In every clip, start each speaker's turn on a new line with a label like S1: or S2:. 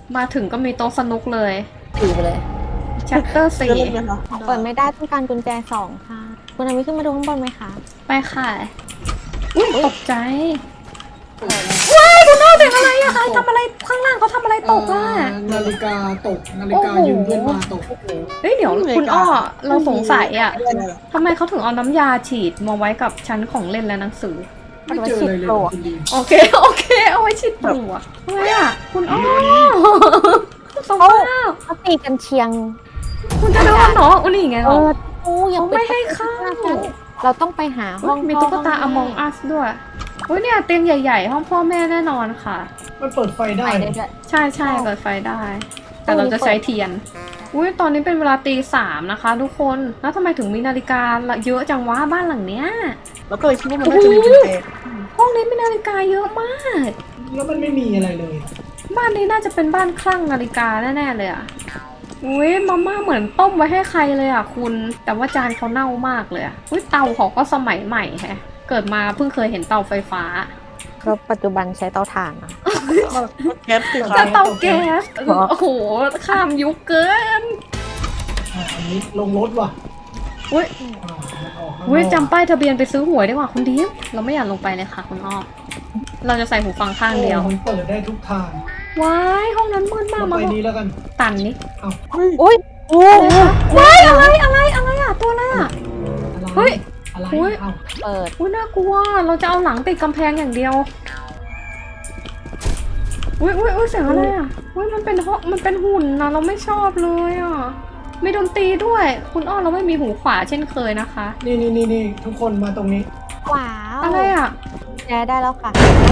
S1: มาถึงก็มีโต๊ะสนุกเลย
S2: ถือไปเลย
S1: Chapter 4
S2: เปิดไม่ได้ต้องการกุญแจ2ค่ะคุณนามิขึ้นมาดูข้างบนไหมคะ
S1: ไปค่ะอุ้ยตกใจว้ายคุณน้าเสียงอะไรอะใครทำอะไรข้างล่างเขาทำอะไรตกอะ
S3: นาฬิกาตกนาฬิกายืมเพื่อนมาตก
S1: เฮ้ยเดี๋ยวคุณอ้อเราสงสัยอะทำไมเขาถึงเอาน้ำยาฉีดมาไว้กับชั้นของเล่นและหนังสือ
S3: ไม่เจออะไรเลยคุณดี
S1: โอเคเอาไว้ฉีดตัวทำไมอะคุณอ้อสงสาร
S2: เขาตีกันเชียง
S1: คุณจะโดนเหรออุ้ยนี่ไงเหรอ
S2: อย่า
S1: ไม่ให้เข้า
S2: เราต้องไปหาห้อง
S1: มีตุ๊กตา Among Us ด้วยอุ้ยเนี่ยเตียงใหญ่ๆห้องพ่อแม่แน่นอนค่ะ
S3: มันเปิดไฟได้
S2: ไปได้ด้วย
S1: ใช่เปิดไฟได้ แต่เราจะใช้เทียนอุ้ยตอนนี้เป็นเวลาตี 3นะคะทุกคนแล้วทำไมถึงมีนาฬิกาเยอะจังวะบ้านหลังเนี้ย
S4: แล้วก็เลยคิดว่ามันน่าจะมีกุญแจ
S1: ห้องนี้มีนาฬิกาเยอะมาก
S3: แล้วมันไม่มีอะไรเลย
S1: บ้านนี้น่าจะเป็นบ้านคลั่งนาฬิกาแน่ๆเลยอ่ะอุ้ยมาม่าเหมือนต้มไว้ให้ใครเลยอ่ะคุณแต่ว่าจานเขาเน่ามากเลยอ่ะอุ้ยเตาเขาก็สมัยใหม่แฮะเกิดมาเพิ่งเคยเห็นเตาไฟฟ้า
S2: ก็ปัจจุบันใช้เตาถ่านนะ
S4: แก๊สสิ
S1: จะเตาแก๊สโอ้โหข้ามยุคเกิน
S3: อันนี้ลงรถว่ะ
S1: อุ้ย
S3: ออกข้างนอก
S1: อุ้ยจำป้ายทะเบียนไปซื้อหวยดีกว่าคุณดิฟเราไม่อยากลงไปเลยค่ะคุณอ้อเราจะใส่หูฟังข้างเดียว
S3: มันเปิดได้ทุกทาง
S1: ว้ายห้องนั้นมืดมาก
S3: เรา
S1: มา
S3: ไปนี้แล้วกัน
S1: ตันนี่
S3: เอ้า
S2: อุ้ยโอ้
S1: ว้ายอะไรอ่ะตัวอะไรอ่ะ เฮ้ย
S3: อะไร
S1: อุ๊ย
S3: เอ้า
S2: เปิด
S1: อุ้ยน่ากลัวเราจะเอาหลังติดกำแพงอย่างเดียวอุ้ยเสียงอะไรอ่ะอุ้ยมันเป็นห้องมันเป็นหุ่นนะเราไม่ชอบเลยอ่ะมีดนตรีด้วย คุณอ้อเราไม่มีหูขวาเช่นเคยนะคะ
S3: นี่ทุกคนมาตรงนี้
S2: ว้าว
S1: อะไรอ่ะ
S2: แชร์ได้แล้วค่ะ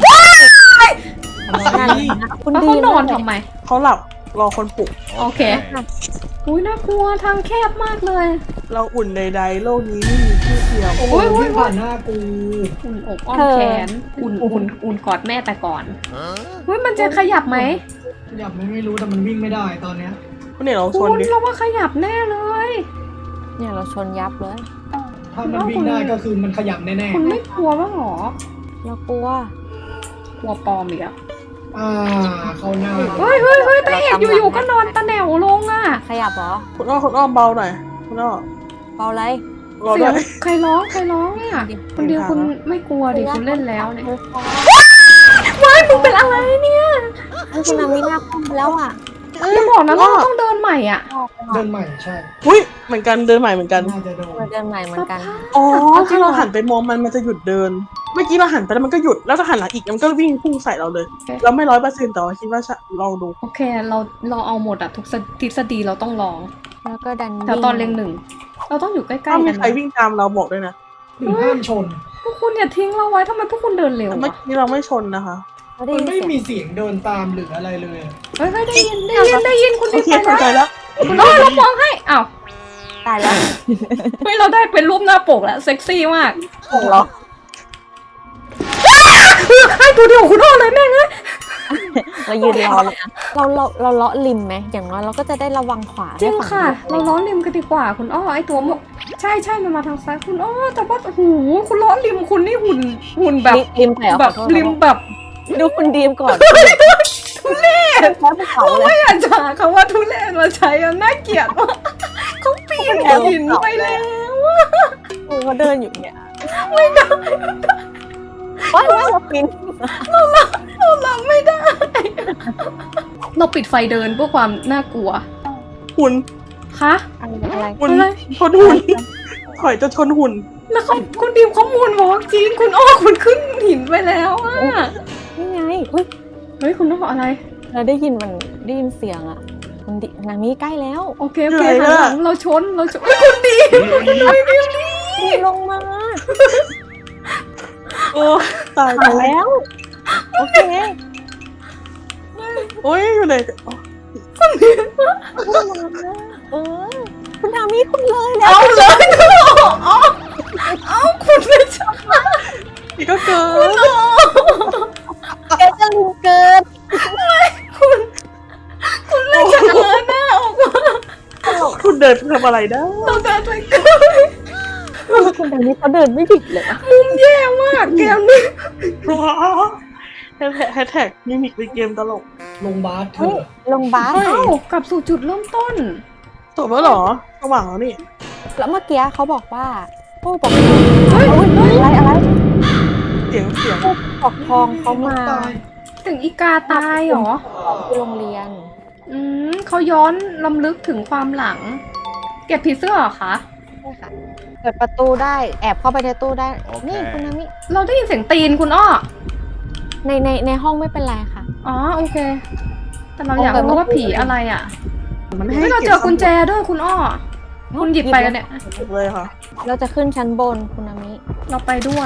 S3: อะไร
S2: คุณ
S1: แล้ว
S2: ดี
S1: เขานอนทำไม
S4: เขาหลับรอคนปลุก
S1: โอเคอุ้ยน่ากลัวทางแคบมากเลย
S4: เราอุ่นใดๆโลกนี้ไม่มีที่เทียม
S3: โอ้โหวิ่งผ่านหน้ากู
S1: อุ่นอกอ้อมแขนอุ่นกอดแม่แต่ก่อนเฮ้ยมันจะขยับไหม
S3: ขยับไม่รู้แต่มันวิ่งไม่ได้ตอนเนี้ย
S4: คุณเนี่ยเราช
S1: คุ
S4: น
S1: ณ
S4: ดิ
S1: เราว่าขยับแน่เลย
S2: เนี่ยเราชนยับเลย
S3: ถ้ามันวิ่งได้ก็คือมันขยับแน่
S1: คุณไม่กลัวบ้างหรอ
S2: เรากลัว
S1: กลัวปลอมอีกอะ
S3: เข้าหน้า
S1: เฮ้ยตาเอกอยู่ๆก็นอนตะแหนวลงอะ
S2: ขยับเหรอ
S4: คุณอ้อมเบาหน่อยคุณอ้อ
S2: เบาไร
S4: รอ
S1: เสี
S4: ด้
S1: ย
S4: ว
S1: ง
S4: ย
S1: ใครร้องอะคนเดียวคุณไม่กลัวดิคุณเล่นแล้วเนี่ยว้ายมึงเป็นอะไรเนี่ย
S2: คุณนามิหน้าคอมแล้วอ่ะ
S1: อย่าบอกนะเราต้องเดินใหม่อะ
S3: เดินใหม่ใช่
S4: อุ้ยเหมือนกันเดินใหม่เหมือนกัน
S3: น่าจะโดน
S2: เราเดินใหม่เหมือนกัน
S4: อ๋อถ้าเราหันไปมองมันจะหยุดเดิน เมื่อกี้เราหันไปแล้วมันก็หยุดแล้วถ้าหันหลังอีกมันก็วิ่งพุ่งใส่เราเลย เราไม่100%แต่ว่าคิดว่าลองดู
S1: โอเคเราเอาหมดอะทุกทฤษฎีเราต้องลอง
S2: แล้วก็ดัน
S1: แต่ตอนเรียงหนึ่งเราต้องอยู่ใกล้ๆ
S4: ถ้ามี
S1: กัน
S4: ใครวิ่งตามเราบอกด้วยนะ
S3: หรือห้ามชน
S1: พวกคุณอย่าทิ้งเราไว้ทำไมพวกคุณเดินเร็ว
S4: เมื่อ
S1: อะ
S4: กี้เราไม่ชนนะคะ
S2: เขาได้
S3: มัน
S2: ยิน
S3: ไม่
S2: เสียง
S3: มีเสียงเดินตามหรืออะไรเลย
S1: เฮ้ยได้ยินคุณ
S4: โอ
S1: ดี
S4: เค
S1: ไป
S4: เข้าใจ
S1: แล้ว
S4: แล้ว
S1: คุณอ้อเรามองให้อ้าว
S2: ตายแล้ว
S1: เฮ้ยเราได้เป็นรูปหน้าปกแล้วเซ็กซี่มาก
S2: เหรอ
S1: คือใครตัวเดียวคุณอ้อเลยแม่งเอ้ย
S2: เรายืนรอเลยนะเราเลาะริมไหมอย่างน้อยเราก็จะได้ระวังขวา
S1: จริง
S2: ได้ฝั่
S1: ค่ะ
S2: ดียว
S1: เราล้อริมกันดีกว่าคุณอ้อไอตัวหมกใช่มันมาทางซ้ายคุณอ้อแต่ว่าโอ้โหคุณล้อริมคุณนี่หุ่นแบบ
S2: ริมไปเหรอ
S1: แบบ
S2: ขอโทษ
S1: ริมแบบ
S2: ดูคุณดีมก่อนทุเรศแพ้ภูเขาเล
S1: ไม่
S2: ย
S1: อยากจะหาคำว่าทุเรศมาใช้อะน่าเกลียดมากเขาปีนหินไปแล้วอะ
S2: เขาเดินอยู่เนี่ยไม่ได้ว่าเราปีน
S1: เรารับไม่ได้ เราปิดไฟเดินเพื่อความน่ากลัว
S4: หุ่น
S1: คะ
S2: อะไร
S4: หุ่น
S1: อะไร
S4: ชนหุ่นถอยจะชนหุ่น
S1: แล้วเขาคุณดีมข้อมูลบอกจริงคุณอ้อคุณขึ้นหินไปแล้วอะ
S2: นี่ไงเฮ้ย
S1: เฮ้ยคุณอ้ออะไร
S2: เราได้ยินเสียงอ่ะคุณดินามิใกล้แล้ว
S1: โอเคหันหลังเราชนเฮ้ยคุณดีม
S2: ดีลงมา
S4: โอ้ตาย
S2: มาแล้วโอเค
S4: โอ้ยอยู่ไหน
S2: เออคุณนามิคุณเลยแล้ว
S1: เอาเลยเอาคุณไม่ชอบ
S4: นี่ก็เกิน
S2: แกจะลืมเกิน
S1: คุณเลยจะเกินหน้าออกมา
S4: คุณเดินทำอะไรได้
S1: เราเดินไปเกิน
S2: คุณนามิเขาเดินไม่หยุดเลย
S1: มุมแย่มากเกมนี้
S4: แฮชแท็กมิมิกเป็นเกมตลก
S3: ลงบาสเธ
S2: เฮ้ย
S3: อ
S2: ลงบาส
S1: เอ้ากลับสู่จุดเริ่มต้น
S4: จบแล้วเหรอสว่างแล้วนี่
S2: แล้วเมื่อกี้เขาบอกว่าผู้ปกครอง
S1: เฮ้ย
S2: อุ๊ยอะไร
S4: เสียง
S2: ผู้ปกครองเขามา
S3: ตาย
S1: ถึงอีกาตายเหรอ
S2: ที่โรงเรียน
S1: เขาย้อนลำลึกถึงความหลัง เก็บผีเสื้อเหรอคะ
S2: ใช่ค่ะเปิดประตูได้แอบเข้าไปในตู้ได้ นี่คุณนามิ
S1: เราได้ยินเสียงตีนคุณอ้อ
S2: ในห้องไม่เป็นไรค่ะ
S1: อ๋อโอเค แต่เราอยากรู้ว่าผีอะไรอ่ะ
S4: มัน
S1: เฮ้
S4: ให้
S1: ยเราเจอกุญแจด้วยคุณอ้อ คุณหยิบไปแล้วเนี่ย
S4: เก็บเลยค่ะ
S2: เราจะขึ้นชั้นบนคุณนามิ
S1: เราไปด้วย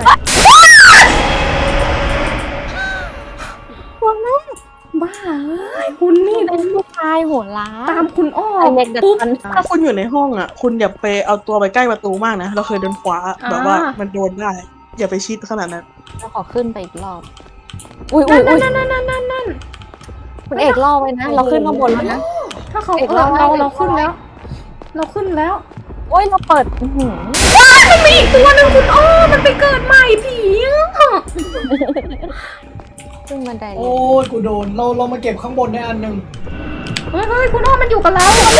S2: คุณแม่
S1: บ้าเอ้ยคุณนี่
S2: เป็นผู้ชายโหดร้าย
S1: ตามคุณอ้อ
S2: ไอเด็กดัด
S1: ปุ๊บ
S2: ฟัน
S4: ถ้าคุณอยู่ในห้องอ่ะ คุณอย่าไปเอาตัวไปใกล้ประตูมากนะ เราเคยเดินขวาแบบว่ามันโดนได้ อย่าไปชิดขนาดนั้น
S2: เราขอขึ้นไปอีกรอบ อุ้ย
S1: นั่น
S2: คุณเอกล่อไว้นะ เราขึ้นข้างบนแล้วนะ
S1: ถ้าเขา
S2: เอก
S1: เรา
S2: เรา
S1: เราขึ้นแล้ว เราขึ้นแล้ว
S2: โอ้ยเราเปิดอื้อหือ
S1: มันมีอีกตัวหนึ่งคุณอ้อมันไปเกิดใหม่ผีอ่ะ
S2: ขึ้นบันไดเล
S3: โอ้
S2: ย
S3: ยกูโดนเรามาเก็บข้างบนได้อันหนึ่ง
S1: เฮ้ยคุณอ้อมันอยู่กับเรา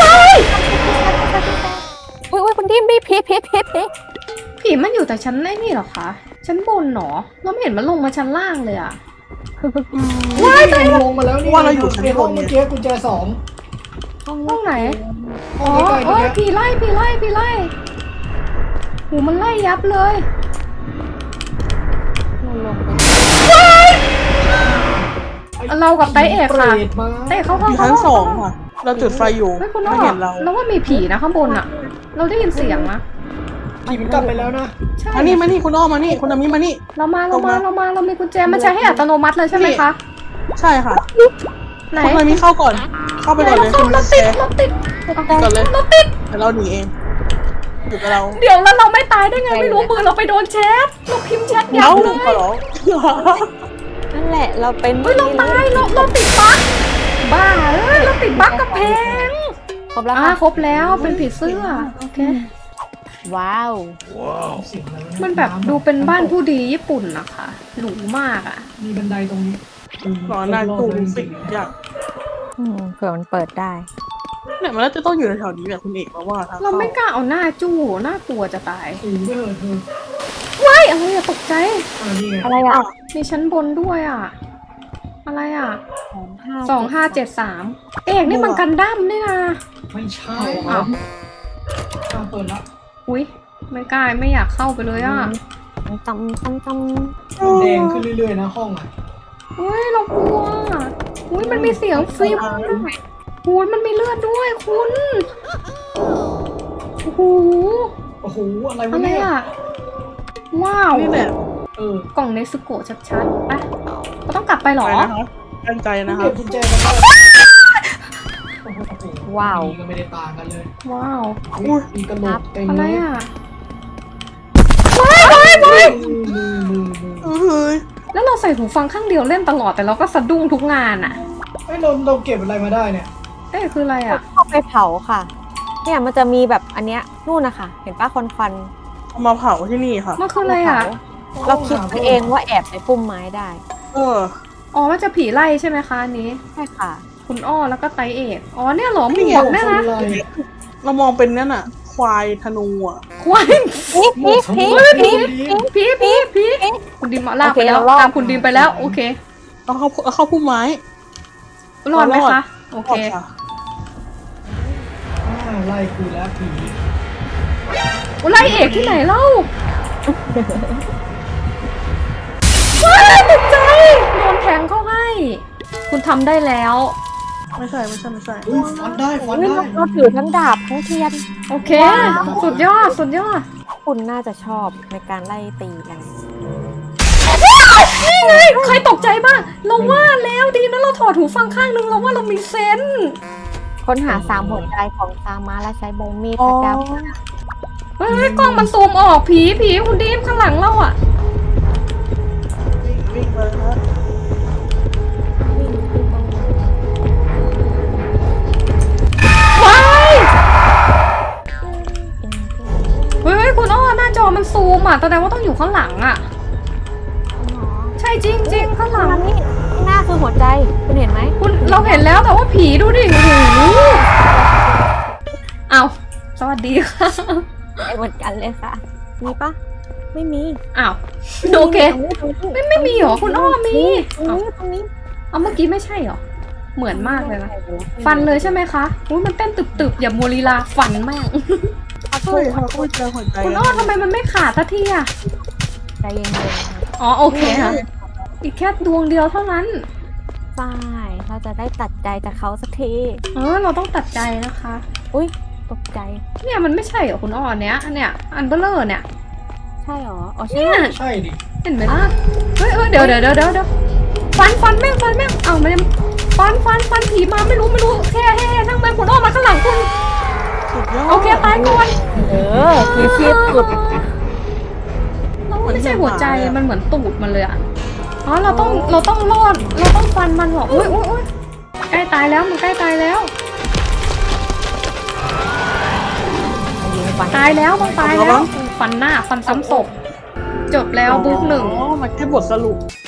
S2: อุ้ยคุณดิมพี่พี
S1: ผีมันอยู่แต่ชั้นไอ้นี่เหรอคะชั้นบนเหรอเราไม่เห็นมันลงมาชั้นล่างเลยอ่ะ
S3: ว้ายลงมาแล้วนี่
S4: ว่าเราอยู่ชั้น
S3: ใน
S4: บ
S3: ห้อง
S4: นเนี่ย
S3: เมื่อกี้กุญแจสอง
S1: ห้องไหน
S3: ห้
S1: อ๋
S3: อ
S1: อง
S3: ใกล้ๆ
S1: เอ้
S3: เมื่อย กี้
S1: ผีไล่หูมันไล่ยับเลย
S2: เราลงไป
S1: เรากับไต้เอกค่ะ
S3: เปรตมา
S1: ไต้เอกเข้าห้
S4: อ
S1: อง
S4: ยู่ชั้นสองค่ะ เราจุดไฟอยู่
S1: เฮ้ยคุณอ้
S4: ไม่
S1: อ
S4: เห็นเรา
S1: เราว่ามีผีนะข้างบนอ่ะ เราได้ยินเสียงนะ
S3: ผีมันกลับไปแล้วนะ
S1: ใช่
S4: มานี่คุณอ้อมมานี่คุณนามิมานี่
S1: เรามา
S4: ตรงมา
S1: เรามีกุญแจมันใช้ให้อัตโนมัติเลยใช่ไหมคะ
S4: ใช่ค่ะ
S1: ไหน
S4: คุณนามิเข้าก่อน เข้าไปก่อนเลยคุณ
S1: เรา
S4: แจ
S1: ติด
S4: ก่อนเลย
S1: เราติด
S4: เดี๋ยวเราหนีเองอยู่กับเรา
S1: เดี๋ยวแล้วเราไม่ตายได้ไงไม่รู้มือเราไปโดนแชทเราพิมพ์แชทยั
S4: เอ้า
S1: บเลย
S4: ขอร้อง
S2: นั่นแหละเราเป็น
S1: เฮ้ยเราตายเราติดบั๊กบ้าเอ้ยเราติดบั๊กกับเพลง
S2: ครบแล้ว
S1: อ่า
S2: ค่ะ
S1: ครบแล้วเป็นผีเสื้อโอเค
S2: ว้าว
S3: เสียงอะไรวะเย
S1: มันแบบดูเป็นบ้านผู้ดีญี่ปุ่นนะคะหรูมากอ่ะ
S3: มีบันไดตรงนี้
S4: รอหน้าตู้สิอยาก
S2: เผื่อมันเปิดได้
S4: เนี่ยมันน่าจะต้องอยู่แถวๆนี้แหละคุณเอกเพราะว่าทาง
S1: เรา
S4: เข้า
S1: ไม่กล้าเอาหน้าจู้น่ากลัวจะตาย
S3: สูงไปเถอะเธอ
S1: ว้ายอะไรอะตกใจ
S3: นี่ไง
S2: อะไรอ่ะ
S1: มีชั้นบนด้วยอ่ะ อะไรอ่ะ 2573 เอกนี่มันกันดั้มนี่นะ
S3: ไม่ใช่
S1: อ้าว
S3: เปิดละ
S1: อุ้ยไม่กล้าไม่อยากเข้าไปเลยอ่ะ
S2: ตำ
S3: แดงขึ้นเรื่อยๆนะห้องอ่ะ
S1: อุ้ยเรากลัวอุ้ยมันมีเสียงฟิล์มด้วยอุ้ยมันมีเลือดด้วยคุณโอ้โห
S3: โอ้โหอะไร
S1: อะ
S3: วะ
S1: ไร
S3: เนี่ย
S1: อ่ะว้าว
S4: นี่แหละ
S1: กล่องเนสโกะชัดๆไปเราต้องกลับไปเหรอ
S4: ไปนะคะตั้งใจนะ
S3: เก็
S4: คะ
S3: บกุญแจกันได้โอ้โห
S2: ว้าว
S3: นี่ก็ไม่ได้ต่างกันเลย
S1: ว้าว
S3: มีกระโหลกเต็ม
S1: อะไร
S3: เลย
S1: อ่ะ
S3: มือ
S4: เฮ้ย
S1: แล้วเราใส่หูฟังข้างเดียวเล่นตลอดแต่เราก็สะดุ้งทุกงานอ่ะ
S3: เฮ้ยเราเก็บอะไรมาได้เนี่ย
S1: เอ้ยคืออะไรอ่ะ
S2: เข้าไปเผาค่ะ เนี่ยมันจะมีแบบอันเนี้ยนู่นนะคะเห็นป้าควัน
S4: เอามาเผาที่นี่ค่ะ
S1: มันคืออะไรอ่ะ
S2: เราคิดไปเองว่าแอบในพุ่มไม้ได้
S4: เออ
S1: อ๋อมันจะผีไล่ใช่ไหมคะอันนี้
S2: ใช่ค่ะ
S1: คุณอ้อแล้วก็ไตเอกอ๋อเนี่ยเหรอหม
S4: นี่ไง
S1: วกเนี่ยนะ
S3: อะไร
S4: เรามองเป็นนั่นน่ะ ควายธนูอ่ะ
S1: ควาย ผีคุณดิมมาลากไปแล้ว
S2: โอเคเรารอด
S1: ตามคุณดิมไปแล้วโอเค
S4: เอาเข้าพุ่มไม้
S1: รอดไหม
S4: รอด
S1: คะโอเค
S4: ค่ะ
S3: ไล่คุยแล้วผี
S1: ไล่เอกที่ไหนเล่าว้ายตกใจโดนแทงเข้าให้ คุณทำได้แล้ว
S4: ไม่ใช่
S3: อุ้ยฟันได้
S2: เราถือทั้งดาบทั้งเทียน
S1: โอเค สุดยอดสุดยอด
S2: คุณน่าจะชอบในการไล่ตีกัน
S1: นี่ไงใครตกใจบ้างเราว่าแล้วดีนะเราถอดหูฟังข้างนึงเราว่าเรามีเซนส์
S2: ค้นหา3หัวใจของซามาและใช้ใบมีด
S4: อ๋อ
S2: พระเจ้า
S1: เฮ้ยกล้องมันซูมออกผีคุณดิมข้างหลังเราอ่ะ
S4: วิ่งไปเลยนะ
S1: ว้ายเฮ้ยคุณอ้อหน้าจอมันซูมอ่ะแสดงว่าต้องอยู่ข้างหลังอ่ะ ใช่จริงข้างหลัง
S2: นี่หน้าคือคือหัวใจคุณเห็นไหม
S1: คุณเราเห็นแล้วแต่ว่าผีดูดิโอ้โหเอาสวัสดีค่ะ
S2: เหมือนกันเลยค่ะ มีปะไม่มี
S1: อ้าวโอเคไม่มีเหรอคุณอ้อมี
S2: ตรงนี้
S1: เอาเมื่อกี้ไม่ใช่เหรอเหมือนมากเลยนะฟันเลยใช่ไหมคะอุ้ยมันเต้นตึบๆอย่ามัวลีลาฟันแม่ง
S4: เฮ้ยเขาก็เจอหัวใจ
S1: คุณอ้อทำไมมันไม่ขาดสักทีอะ
S2: ใจเย็นๆค่ะ
S1: อ๋อโอเคค่ะอีกแค่ดวงเดียวเท่านั้น
S2: ฝ้ายเราจะได้ตัดใจจากเขาสักที
S1: เราต้องตัดใจนะคะ
S2: อุ้ยตกใจ
S1: เนี่ยมันไม่ใช่เหรอคุณอ้อเนี้ยอันเบลเลอร์เนี่ย
S2: ใช่หรออ๋อใช่
S1: เนี่ย
S3: ใช่ดิ
S1: เห็นไหมล่ะเฮ้ยเดี๋ยวฟันแม่งเอาไม่ฟันผีมาไม่รู้แค่นั่งแม่งคุณอ้อมาข้างหลังคุณ
S4: สุดยอด
S1: โอเคตายก่อน
S2: มีชีพสุด
S1: ไม่ใช่หัวใจมันเหมือนตูดมันเลยอะอ๋อเราต้องรอดเราต้องฟันมันเหรออุ้ยใกล้ตายแล้วมันใกล้ตายแล้ว
S2: ยิงฟัน
S1: ตายแล้วมันตายแล้วฟันหน้าฟันซ้ำศพจบแล้วบุ๊กหนึ่ง
S4: อ๋อมันแค่บทสรุป